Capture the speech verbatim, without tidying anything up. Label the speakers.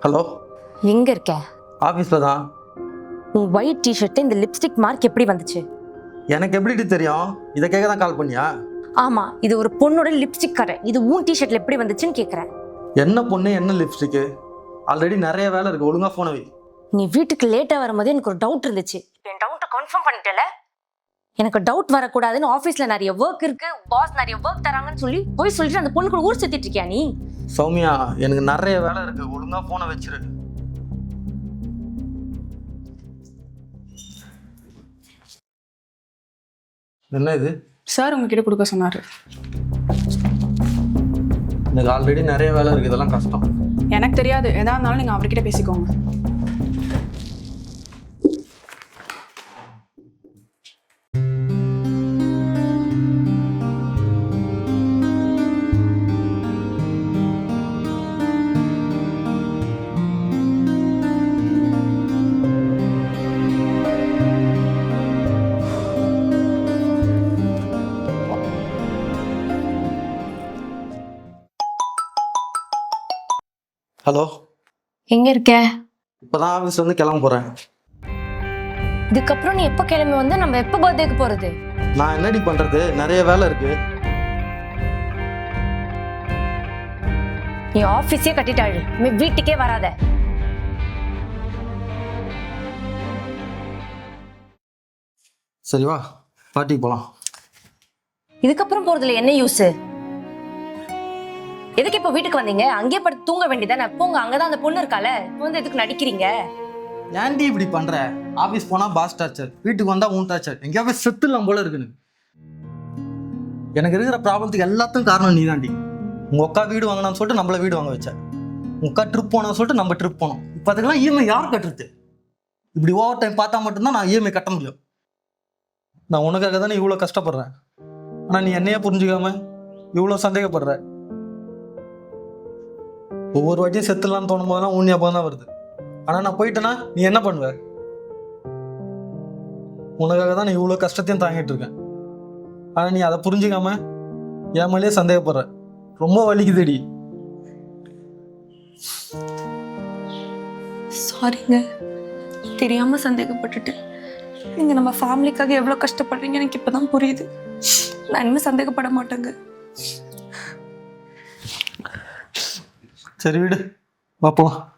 Speaker 1: Hello,
Speaker 2: எங்க இருக்க?
Speaker 1: ஆஃபீஸில் தான்.
Speaker 2: உன் ஒயிட் டிஷர்ட் இந்த லிப்ஸ்டிக் மார்க் எப்படி வந்துச்சு?
Speaker 1: எனக்கு எப்படி தெரியும்? இதை கேட்க தான் கால் பண்ணியா?
Speaker 2: ஆமா, இது ஒரு பொண்ணோட லிப்ஸ்டிக் கடை. இது உன் டிஷர்ட்ல எப்படி வந்துச்சுன்னு கேக்குறேன்.
Speaker 1: என்ன பொண்ணு, என்ன லிப்ஸ்டிக்கு? ஆல்ரெடி நிறைய வேலை இருக்கு, ஒழுங்கா போன வை.
Speaker 2: நீ வீட்டுக்கு லேட்டா வரும்போது எனக்கு ஒரு டவுட் இருந்துச்சு. என் டவுட்டை கன்ஃபார்ம் பண்ணிட்டல. எனக்கு டவுட் வரக்கூடாதுன்னு ஆஃபீஸ்ல நிறைய ஒர்க் இருக்கு, பாஸ் நிறைய ஒர்க் தராங்கன்னு சொல்லி போய் சொல்லிட்டு அந்த பொண்ணு கூட ஊர் சுத்திட்டு இருக்கியா நீ?
Speaker 1: சௌமியா, எனக்கு நிறைய வேலை இருக்கு, ஒழுங்கா போன வச்சிரு. என்ன இது?
Speaker 3: சார் உங்ககிட்ட கொடுக்க சொன்னாரு.
Speaker 1: எனக்கு ஆல்ரெடி நிறைய வேலை இருக்கு, இதெல்லாம் கஷ்டம்.
Speaker 3: எனக்கு தெரியாது, எதா இருந்தாலும் நீங்க அவர்கிட்ட பேசிக்கோங்க.
Speaker 1: ஹலோ,
Speaker 2: எங்க இருக்க?
Speaker 1: இப்பதான் ஆஃபீஸ் வந்து கிளம்ப போறேன்.
Speaker 2: இதுக்கப்புறம் நீ எப்ப கிளம்பி வந்து நம்ம எப்ப பர்த்டேக்கு போறது?
Speaker 1: நான் என்னடி பண்றது, நிறைய வேலை இருக்கு.
Speaker 2: நீ ஆபீஸே கட்டிட்டாள், நீ வீட்டுக்கே வராத.
Speaker 1: சரி வா, பார்ட்டிக்கு போலாம்.
Speaker 2: இதுக்கப்புறம் போறதுல என்ன யூஸ்? எதுக்கு இப்ப வீட்டுக்கு வந்தீங்க? அங்கேயே படுத்து தூங்க வேண்டியதானே. போங்க, அங்கதான் அந்த பொண்ணு இருக்கால. வந்து எதுக்கு நடிக்கிறீங்க?
Speaker 1: ஏன்டி இப்படி பண்ற? ஆபீஸ் போனா பாஸ் டார்ச்சர், வீட்டுக்கு வந்தா உன் டார்ச்சர். எங்கேயாவது செத்துலாம் போல இருக்குன்னு. எனக்கு இருக்கிற ப்ராப்ளத்துக்கு எல்லாத்துக்கும் காரணம் நீ தாண்டி. உங்க அக்கா வீடு வாங்கினான்னு சொல்லிட்டு நம்மள வீடு வாங்க வச்ச. உங்க அக்கா ட்ரிப் போனோம்னு சொல்லிட்டு நம்ம ட்ரிப் போனோம். இப்போ அதுக்கெல்லாம் இஎம்ஐ யார் கட்டுறது? இப்படி ஓவர் டைம் பார்த்தா மட்டும்தான் நான் இஎம்ஐ கட்ட முடியும். நான் உனக்காக தானே இவ்வளோ கஷ்டப்படுறேன். ஆனால் நீ என்னையே புரிஞ்சுக்காம இவ்வளோ சந்தேகப்படுற. ஒவ்வொரு வாட்டியும் செத்துலான்னு தோணும் போதெல்லாம் உன் ஞாபகம் தான் வருது. ஆனால் நான் போயிட்டேன்னா நீ என்ன பண்ணுவ? உனக்காக தான் நான் இவ்வளோ கஷ்டத்தையும் தாங்கிட்டு இருக்கேன். ஆனால் நீ அதை புரிஞ்சுக்காம என் மேலேயே சந்தேகப்படுற. ரொம்ப வலிக்குதுடி.
Speaker 3: சாரிங்க, தெரியாம சந்தேகப்பட்டுட்டு. நீங்க நம்ம ஃபேமிலிக்காக எவ்வளவு கஷ்டப்படுறீங்க எனக்கு இப்பதான் புரியுது. நான் இனிமே சந்தேகப்பட மாட்டேங்க.
Speaker 1: சரி விடு, வா போலாம்.